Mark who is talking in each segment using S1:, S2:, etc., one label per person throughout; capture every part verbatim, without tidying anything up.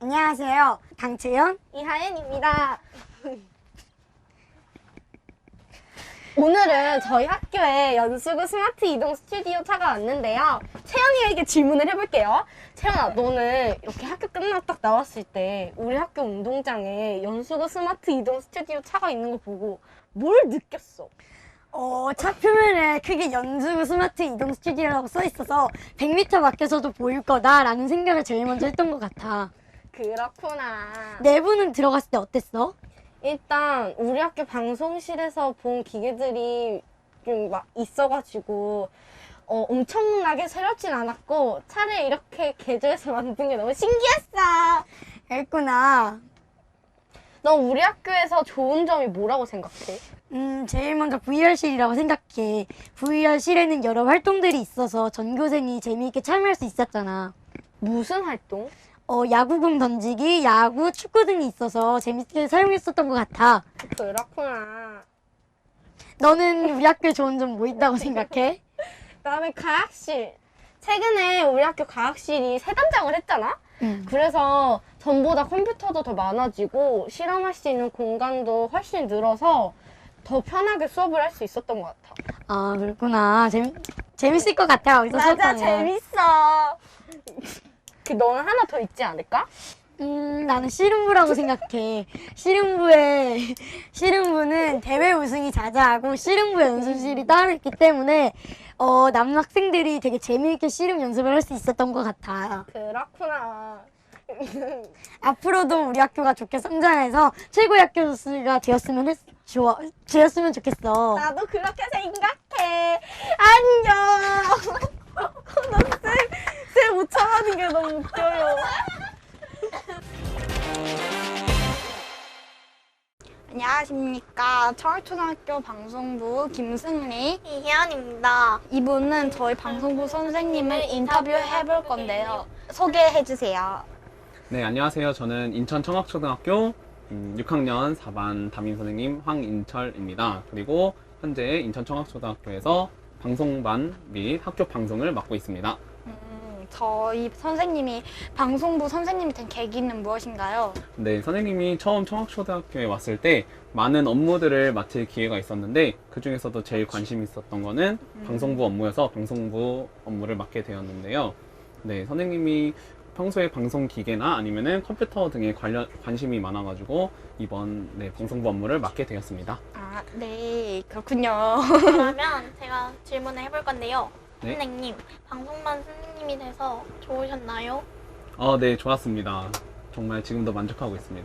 S1: 안녕하세요. 강채연,
S2: 이하연입니다. 오늘은 저희 학교에 연수구 스마트 이동 스튜디오 차가 왔는데요. 채연이에게 질문을 해볼게요. 채연아, 너는 이렇게 학교 끝나고 딱 나왔을 때 우리 학교 운동장에 연수구 스마트 이동 스튜디오 차가 있는 거 보고 뭘 느꼈어?
S1: 어, 차 표면에 크게 연수구 스마트 이동 스튜디오라고 써 있어서 백 미터 밖에서도 보일 거다라는 생각을 제일 먼저 했던 것 같아.
S2: 그렇구나.
S1: 내부는 들어갔을 때 어땠어?
S2: 일단 우리 학교 방송실에서 본 기계들이 좀 막 있어가지고 어, 엄청나게 새롭진 않았고 차를 이렇게 개조해서 만든 게 너무 신기했어.
S1: 그랬구나.
S2: 너 우리 학교에서 좋은 점이 뭐라고 생각해?
S1: 음, 제일 먼저 브이알실이라고 생각해. 브이알실에는 여러 활동들이 있어서 전교생이 재미있게 참여할 수 있었잖아.
S2: 무슨 활동?
S1: 어, 야구공 던지기, 야구, 축구 등이 있어서 재밌게 사용했었던 것 같아.
S2: 그렇구나.
S1: 너는 우리 학교에 좋은 점 뭐 있다고 생각해?
S2: 그다음에 과학실. 최근에 우리 학교 과학실이 새 단장을 했잖아?
S1: 응.
S2: 그래서 전보다 컴퓨터도 더 많아지고 실험할 수 있는 공간도 훨씬 늘어서 더 편하게 수업을 할 수 있었던 것 같아.
S1: 아, 그렇구나. 재밌, 재밌을 것 같아. 거기서
S2: 맞아,
S1: 수업하면.
S2: 재밌어. 그 너는 하나 더 있지 않을까?
S1: 음, 나는 씨름부라고 생각해. 씨름부에, 씨름부는 대회 우승이 자자하고 씨름부 연습실이 따로 있기 때문에 어, 남학생들이 되게 재미있게 씨름 연습을 할 수 있었던 것 같아.
S2: 그렇구나.
S1: 앞으로도 우리 학교가 좋게 성장해서 최고의 학교가 되었으면 했, 좋아, 되었으면 좋겠어.
S2: 나도 그렇게 생각해. 안녕. 나쌤쌤못 참아는 게 너무 웃겨요.
S3: 안녕하십니까. 청학초등학교 방송부 김승리
S4: 이혜연입니다.
S3: 이분은 저희 방송부 선생님을 인터뷰해 볼 건데요. 소개해 주세요.
S5: 네, 안녕하세요. 저는 인천 청학초등학교 음, 육 학년 사 반 담임 선생님 황인철입니다. 그리고 현재 인천 청학초등학교에서 방송반 및 학교 방송을 맡고 있습니다.
S3: 음, 저희 선생님이 방송부 선생님이 된 계기는 무엇인가요?
S5: 네, 선생님이 처음 청학초등학교에 왔을 때 많은 업무들을 맡을 기회가 있었는데 그 중에서도 제일 관심 있었던 거는 방송부 업무여서 방송부 업무를 맡게 되었는데요. 네, 선생님이 평소에 방송 기계나 아니면은 컴퓨터 등에 관련 관심이 많아가지고 이번 네, 방송부 업무를 맡게 되었습니다.
S3: 아, 네. 그렇군요.
S4: 그러면 제가 질문을 해볼 건데요.
S5: 네.
S4: 선생님, 방송반 선생님이 돼서 좋으셨나요?
S5: 어, 네, 좋았습니다. 정말 지금도 만족하고 있습니다.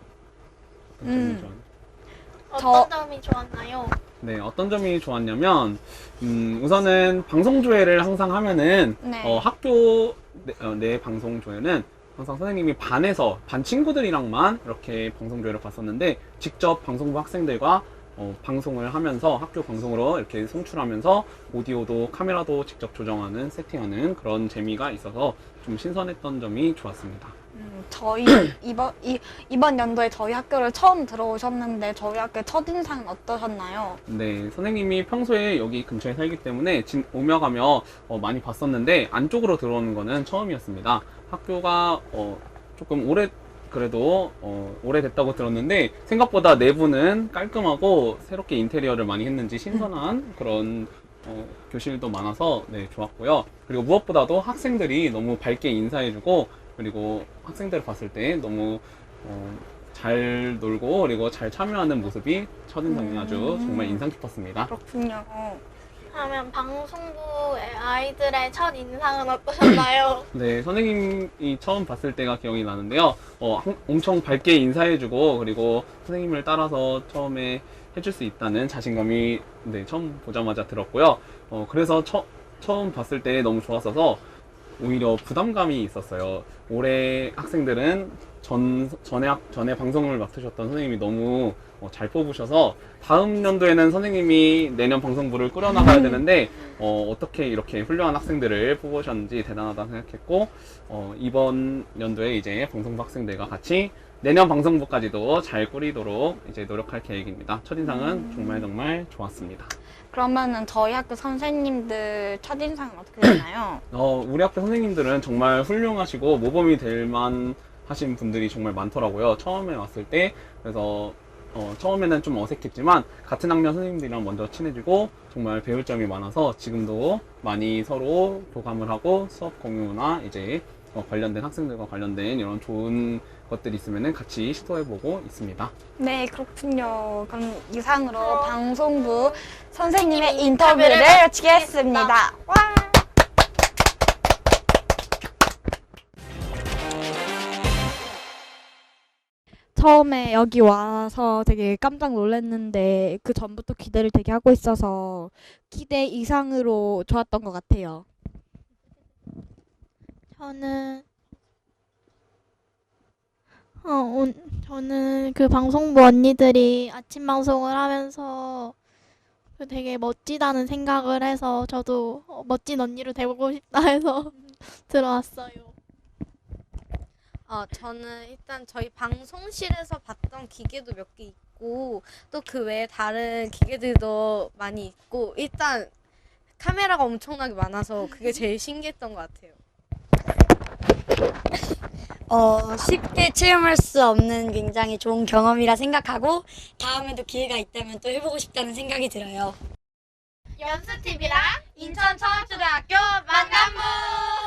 S5: 어떤 점이
S3: 음.
S5: 좋았-
S4: 어떤
S3: 저-
S4: 점이 좋았나요?
S5: 네, 어떤 점이 좋았냐면, 음, 우선은 방송조회를 항상 하면은,
S3: 네.
S5: 어, 학교 내, 어, 내 방송조회는 항상 선생님이 반에서, 반 친구들이랑만 이렇게 방송조회를 봤었는데, 직접 방송부 학생들과 어, 방송을 하면서 학교 방송으로 이렇게 송출하면서 오디오도 카메라도 직접 조정하는, 세팅하는 그런 재미가 있어서 좀 신선했던 점이 좋았습니다.
S3: 음, 저희 이번 이, 이번 연도에 저희 학교를 처음 들어오셨는데 저희 학교 첫인상은 어떠셨나요?
S5: 네, 선생님이 평소에 여기 근처에 살기 때문에 진, 오며 가며 어, 많이 봤었는데 안쪽으로 들어오는 거는 처음이었습니다. 학교가 어, 조금 오래 그래도 어, 오래됐다고 들었는데 생각보다 내부는 깔끔하고 새롭게 인테리어를 많이 했는지 신선한 그런 어, 교실도 많아서 네, 좋았고요. 그리고 무엇보다도 학생들이 너무 밝게 인사해주고 그리고 학생들을 봤을 때 너무 어, 잘 놀고 그리고 잘 참여하는 모습이 첫인상이 아주 정말 인상 깊었습니다.
S3: 그렇군요.
S4: 그러면 방송부의 아이들의 첫 인상은 어떠셨나요?
S5: 네, 선생님이 처음 봤을 때가 기억이 나는데요. 어, 항- 엄청 밝게 인사해주고 그리고 선생님을 따라서 처음에 해줄 수 있다는 자신감이 네, 처음 보자마자 들었고요. 어, 그래서 처, 처음 봤을 때 너무 좋았어서 오히려 부담감이 있었어요. 올해 학생들은 전, 전에, 학- 전에 방송을 맡으셨던 선생님이 너무 어, 잘 뽑으셔서 다음 연도에는 선생님이 내년 방송부를 꾸려나가야 되는데 어, 어떻게 이렇게 훌륭한 학생들을 뽑으셨는지 대단하다 생각했고 어, 이번 연도에 이제 방송부 학생들과 같이 내년 방송부까지도 잘 꾸리도록 이제 노력할 계획입니다. 첫인상은 정말 정말 좋았습니다.
S3: 그러면은 저희 학교 선생님들 첫인상은 어떻게 되나요?
S5: 어, 우리 학교 선생님들은 정말 훌륭하시고 모범이 될 만한 하신 분들이 정말 많더라고요. 처음에 왔을 때. 그래서 어, 처음에는 좀 어색했지만 같은 학년 선생님들이랑 먼저 친해지고 정말 배울 점이 많아서 지금도 많이 서로 교감을 하고 수업 공유나 이제 어, 관련된 학생들과 관련된 이런 좋은 것들이 있으면 같이 시도해보고 있습니다.
S3: 네, 그렇군요. 그럼 이상으로 방송부 선생님의 인터뷰를 마치겠습니다. 와! 처음에 여기 와서 되게 깜짝 놀랐는데 그 전부터 기대를 되게 하고 있어서 기대 이상으로 좋았던 것 같아요.
S4: 저는 어, 온, 저는 그 방송부 언니들이 아침 방송을 하면서 그 되게 멋지다는 생각을 해서 저도 어, 멋진 언니로 되고 싶다 해서 들어왔어요.
S6: 어, 저는 일단 저희 방송실에서 봤던 기계도 몇 개 있고 또 그 외에 다른 기계들도 많이 있고 일단 카메라가 엄청나게 많아서 그게 제일 신기했던 것 같아요.
S1: 어, 쉽게 체험할 수 없는 굉장히 좋은 경험이라 생각하고 다음에도 기회가 있다면 또 해보고 싶다는 생각이 들어요.
S4: 연수티비랑 인천청학초등학교 만남부!